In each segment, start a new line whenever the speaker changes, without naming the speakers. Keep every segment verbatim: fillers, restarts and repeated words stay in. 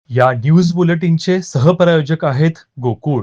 या न्यूज बुलेटिनचे सहप्रायोजक आहेत गोकुळ.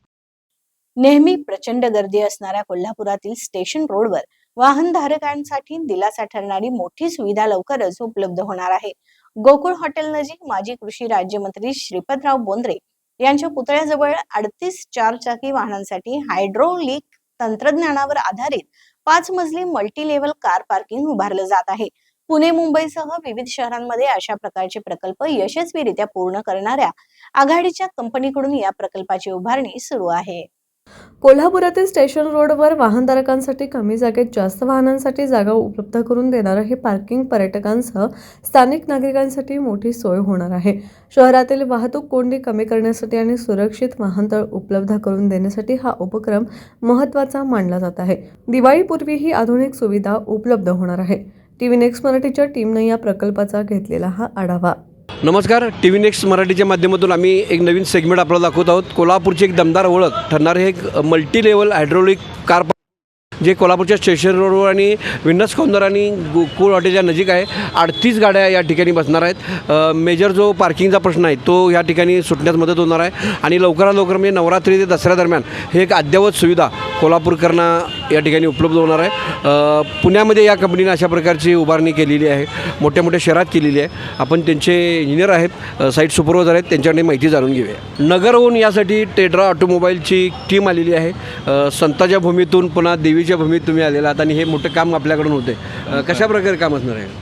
नेहमी प्रचंड गर्दी असणाऱ्या कोल्हापुरातील स्टेशन रोडवर वाहनधारकांसाठी दिलासा ठरणारी मोठी सुविधा लवकरच उपलब्ध होणार आहे. गोकुळ हॉटेल नजीक माजी कृषी राज्यमंत्री श्रीपतराव बोंद्रे यांच्या पुतळ्याजवळ अडतीस चारचाकी वाहनांसाठी हायड्रोलिक तंत्रज्ञानावर आधारित पाच मजली मल्टी लेव्हल कार पार्किंग उभारलं जात आहे. पुणे मुंबईसह विविध शहरांमध्ये अशा प्रकारचे प्रकल्प यशस्वीरित्या पूर्ण करणाऱ्या आघाडीच्या कंपनीकडून या प्रकल्पाची उभारणी सुरू आहे.
कोल्हापुरातील स्टेशन रोडवर वाहनधारकांसाठी कमी जागेत जास्त वाहनांसाठी जागा उपलब्ध करून देणारं हे पार्किंग पर्यटकांसह स्थानिक नागरिकांसाठी मोठी सोय होणार आहे. शहरातील वाहतूक कोंडी कमी करण्यासाठी आणि सुरक्षित वाहनतळ उपलब्ध करून देण्यासाठी हा उपक्रम महत्त्वाचा मानला जात आहे. दिवाळीपूर्वी ही आधुनिक सुविधा उपलब्ध होणार आहे. टीव्ही नेक्स्ट मराठीच्या टीमने या प्रकल्पाचा घेतलेला हा आढावा.
नमस्कार. टी व्ही नेक्स्ट मराठीच्या माध्यमातून आम्ही एक नवीन सेगमेंट आपल्याला दाखवत आहोत. कोल्हापूरची एक दमदार ओळख ठरणारे एक मल्टी लेवल हायड्रोलिक कार जे कोल्हापूरच्या स्टेशन रोडवर आणि विन्नस कॉर्नर आणि गोकुळ हॉटेलच्या नजीक आहे. अडतीस गाड्या या ठिकाणी बसणार आहेत. मेजर जो पार्किंगचा प्रश्न आहे तो या ठिकाणी सुटण्यास मदत होणार आहे आणि लवकरात लवकर म्हणजे नवरात्री ते दसऱ्या दरम्यान हे एक अद्ययावत सुविधा कोल्हापूरकरांना या ठिकाणी उपलब्ध होणार आहे. पुण्यामध्ये या कंपनीने अशा प्रकारची उभारणी केलेली आहे, मोठ्या मोठ्या शहरात केलेली आहे. आपण त्यांचे इंजिनियर आहेत, साईट सुपरवायझर आहेत, त्यांच्याकडे माहिती जाणून घेऊया. नगरहून यासाठी टेड्रा ऑटोमोबाईलची टीम आलेली आहे. संताच्या भूमीतून पुन्हा देवीच्या भूमीत तुम्ही आलेला आहात आणि हे मोठं काम आपल्याकडून होते. कशा प्रकारे काम असणार आहे?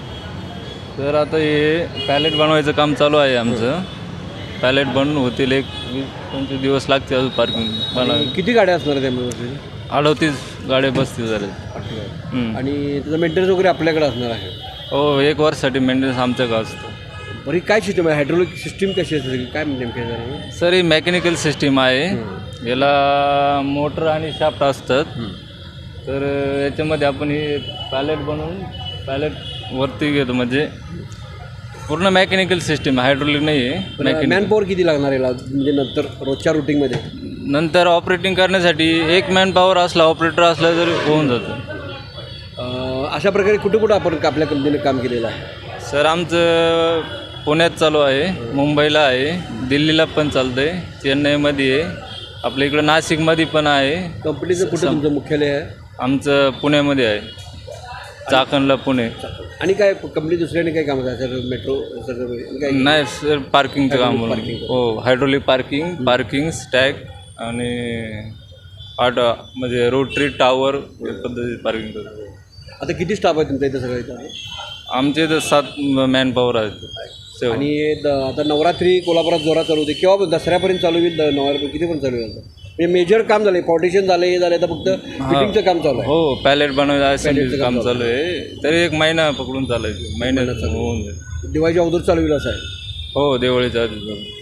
तर आता हे पॅलेट बनवायचं काम चालू आहे आमचं. पॅलेट बनवून होतील एक वीस पंचवीस दिवस लागतील अजून पार्किंग बनवायला.
किती गाड्या असणार आहेत त्यामध्ये?
अडतीस गाड्या बसतील झाले
आणि त्याचं मेंटेनन्स वगैरे आपल्याकडे असणार आहे.
हो, एक वर्षासाठी मेंटेनन्स आमच्याकडे असतं.
बरी काय सिस्टम आहे? हायड्रोलिक सिस्टीम कशी असते, काय नेमके झालं?
सर ही मेकॅनिकल सिस्टीम आहे. याला मोटर आणि शाफ्ट असतात. तर याच्यामध्ये आपण हे पॅलेट बनवून पॅलेट वरती घेतो, म्हणजे पूर्ण मेकॅनिकल सिस्टीम, हायड्रोलिक नाही आहे. मेकॅनिकल.
मॅन पॉवर किती लागणार याला, म्हणजे नंतर रोजच्या रुटीनमध्ये?
नंतर ऑपरेटिंग करण्यासाठी एक मॅन पॉवर असला, ऑपरेटर असला तरी होऊन जातं.
अशा प्रकारे कुठं कुठं आपण आपल्या कंपनीने काम केलेलं आहे?
सर आमचं पुण्यात चालू आहे, मुंबईला आहे, दिल्लीला पण चालतं आहे, चेन्नईमध्ये आहे, आपल्या इकडं नाशिकमध्ये पण आहे.
कंपनीचं कुठं तुमचं मुख्यालय आहे? आमचं
पुण्यामध्ये आहे, चाकणला पुणे.
आणि काय कंपनी दुसऱ्याने काय काम आहे सर? मेट्रो सर
नाही सर, पार्किंगचं काम.
पार्किंग.
हो, हायड्रोलिक पार्किंग, पार्किंग स्टॅक आणि ऑटो म्हणजे रोटरी टावर या पद्धतीत पार्किंग करतो.
आता किती स्टाफ आहे तुमच्या इथं सगळं इथं?
आमचे इथं सात मॅन पॉवर आहेत.
आणि द आता नवरात्री कोल्हापुरात जोरात चालू होते, केव्हा दसऱ्यापर्यंत चालू होईल? नवरात्री कितीपर्यंत चालू होईल? म्हणजे मेजर काम झालं, पार्टिशन झालं, हे झालं, तर फक्त फिटिंगचं काम चालू आहे.
हो, पॅलेट बनवायचं काम चालू आहे. तरी एक महिना पकडून चालायचं, महिन्याचं होऊन जाईल.
दिवाळीच्या अगोदर चालू होईल असं आहे?
हो, दिवाळीच्या आधी.